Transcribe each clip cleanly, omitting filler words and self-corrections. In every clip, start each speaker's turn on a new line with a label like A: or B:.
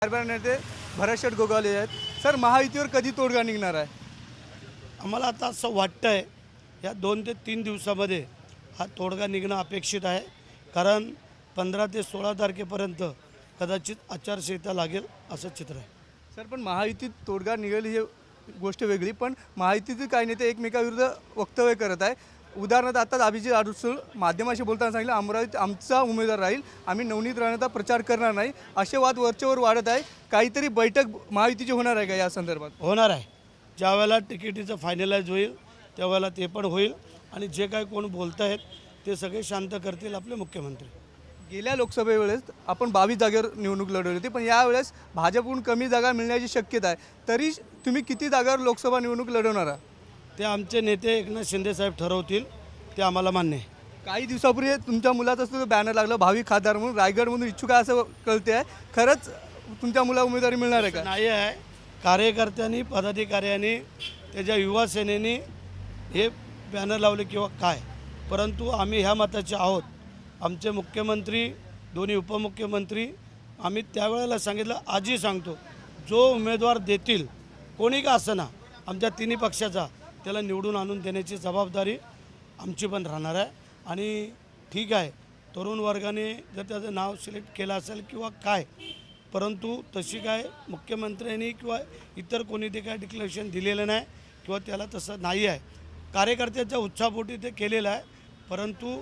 A: नेते भरतशेठ गोगावले आहेत. सर, महायुतीवर कधी तोडगा निघणार आहे?
B: आम्हाला आता असं वाटतंय या 2 ते 3 दिवसामध्ये हा तोडगा निघणं अपेक्षित आहे. कारण 15 ते 16 तारखेपर्यंत कदाचित आचारसंहिता लागेल असं चित्र आहे.
A: सर, पण महायुतीत तोडगा निघेल ही गोष्ट वेगळी, पण महायुतीतील काही नेते एकमेकाविरुद्ध वक्तव्य करत आहे. उदाहरणार्थ आता अभिजित अडसूळ माध्यमाशी बोलताना सांगितलं, अमरावतीत आमचा उमेदवार राहील, आम्ही नवनीत राणेंचा प्रचार करणार नाही, असे वाद वरचेवर वाढत आहे. काहीतरी बैठक महायुतीची होणार आहे का या संदर्भात?
B: होणार आहे. ज्या वेळेला तिकिटीचं फायनलाइज होईल त्यावेळेला ते पण होईल आणि जे काही कोण बोलत आहेत ते सगळे शांत करतील आपले मुख्यमंत्री.
A: गेल्या लोकसभेवेळेस आपण 22 जागेवर निवडणूक लढवली होती, पण यावेळेस भाजपकडून कमी जागा मिळण्याची शक्यता आहे. तरी तुम्ही किती जागावर लोकसभा निवडणूक लढवणार आहात?
B: ते आमचे नेते एकनाथ शिंदे साहेब ठरवतील, ते आम्हाला मान्य आहे.
A: काही दिवसापूर्वी तुमच्या मुलाचा सुद्धा बॅनर लागलं, भावी खासदार म्हणून रायगडमधून इच्छुक आहे असं कळते आहे. खरंच तुमच्या मुला उमेदवारी मिळणार आहे का?
B: नाही आहे. कार्यकर्त्यांनी पदाधिकाऱ्यांनी त्याच्या युवा सेनेने हे बॅनर लावले किंवा काय, परंतु आम्ही ह्या मताचे आहोत. आमचे मुख्यमंत्री, दोन्ही उपमुख्यमंत्री, आम्ही त्यावेळेला सांगितलं, आजही सांगतो, जो उमेदवार देतील कोणी का असना आमच्या तिन्ही पक्षाचा, त्याला निवडून आणून देण्याची जबाबदारी आमची पण राहणार आहे. आणि ठीक आहे, तरुण वर्गाने जर त्याचं नाव सिलेक्ट केलं असेल किंवा काय, परंतु तशी काय मुख्यमंत्र्यांनी किंवा इतर कोणी ते काय डिक्लेरेशन दिलेलं नाही किंवा त्याला तसं नाही आहे. कार्यकर्त्याच्या उत्साहापोटी ते केलेलं आहे. परंतु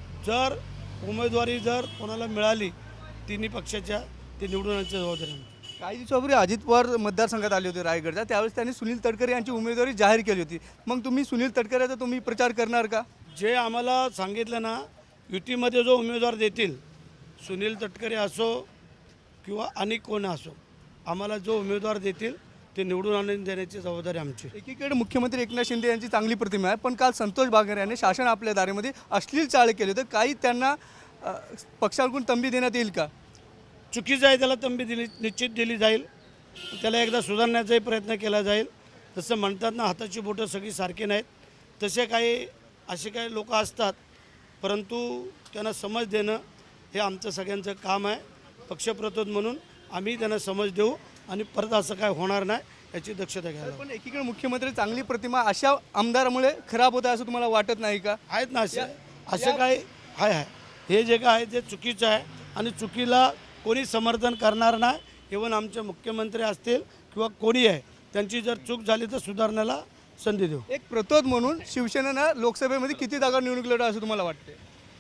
B: जर उमेदवारी जर कोणाला मिळाली तिन्ही पक्षाच्या, ते निवडून आणण्याची जबाबदारी आहे.
A: काही दिवसापूर्वी अजित पवार मतदारसंघात आले होते रायगडच्या, त्यावेळेस त्यांनी सुनील तटकरे यांची उमेदवारी जाहीर केली होती. मग तुम्ही सुनील तटकरेचा तुम्ही प्रचार करणार का?
B: जे आम्हाला सांगितलं ना, युतीमध्ये जो उमेदवार देतील, सुनील तटकरे असो किंवा आणि कोण असो, आम्हाला जो उमेदवार देतील ते निवडून आणून देण्याची जबाबदारी आमची.
A: एकीकडे मुख्यमंत्री एकनाथ शिंदे यांची चांगली प्रतिमा आहे, पण काल संतोष बांगर यांनी शासन आपल्या दारीमध्ये अश्लील चाळे केले होते. काही त्यांना पक्षाकडून तंबी देण्यात येईल का?
B: चुकीचं आहे, त्याला तंबी निश्चित दिली जाईल. त्याला एकदा सुधारण्याचाही प्रयत्न केला जाईल. जसं म्हणतात ना, हाताची बोटं सगळी सारखी नाहीत, तसे काही असे काही लोक असतात, परंतु त्यांना समज देणं हे आमचं सगळ्यांचं काम आहे. पक्षप्रतोद म्हणून आम्ही त्यांना समज देऊ आणि परत असं काय होणार नाही याची दक्षता घ्यायला.
A: पण एकीकडे मुख्यमंत्री चांगली प्रतिमा अशा आमदारामुळे खराब होत आहे असं तुम्हाला वाटत नाही का?
B: आहेत ना असं काय आहे. हे जे काय आहे ते चुकीचं आहे आणि चुकीला कोणी समर्थन करणार नाही. इव्हन आमचे मुख्यमंत्री असतील किंवा कोणी आहे, त्यांची जर चूक झाली तर सुधारण्याला संधी देऊ.
A: एक प्रतोद म्हणून शिवसेनेनं लोकसभेमध्ये किती जागा निवडणूक लढवा असं तुम्हाला वाटते?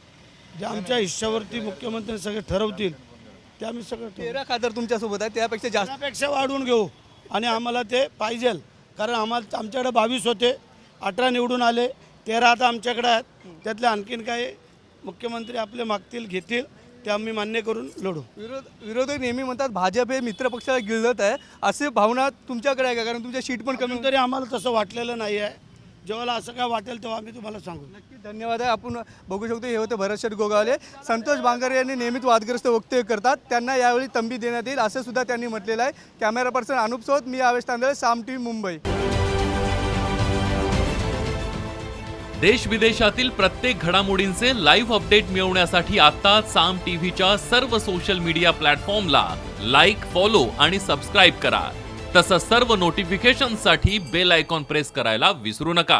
B: जे आमच्या हिश्श्यावरती मुख्यमंत्री सगळे ठरवतील ते आम्ही सगळं
A: 13 खासदार तुमच्यासोबत आहे, त्यापेक्षा जास्त
B: त्यापेक्षा वाढवून घेऊ आणि आम्हाला ते पाहिजेल. कारण आमच्याकडे 22 होते, 18 निवडून आले, 13 आता आमच्याकडे आहेत. त्यातले आणखीन काही मुख्यमंत्री आपले मागतील घेतील ते आम्ही मान्य करून लढू.
A: विरोधक नेहमी म्हणतात भाजप हे मित्रपक्षाला गिळत आहे, असे भावना तुमच्याकडे आहे का? कारण तुमच्या सीट पण कमी.
B: तरी आम्हाला तसं वाटलेलं नाही आहे. जेव्हा असं काय वाटेल तेव्हा आम्ही तुम्हाला सांगू.
A: नक्की, धन्यवाद आहे. आपण बघू शकतो, हे होते भरतशेठ गोगावले. संतोष बांगर यांनी नेहमीच वादग्रस्त वक्तव्य करतात, त्यांना यावेळी तंबी देण्यात येईल असं सुद्धा त्यांनी म्हटलेलं आहे. कॅमेरा पर्सन अनुप सोबत मी आवेश तांदळे, साम टीव्ही मुंबई.
C: देश विदेशातील प्रत्येक घडामोडींचे लाईव्ह अपडेट मिळवण्यासाठी आता साम टीव्हीच्या सर्व सोशल मीडिया प्लॅटफॉर्मला लाईक, फॉलो आणि सबस्क्राईब करा. तसंच सर्व नोटिफिकेशनसाठी बेल आयकॉन प्रेस करायला विसरू नका.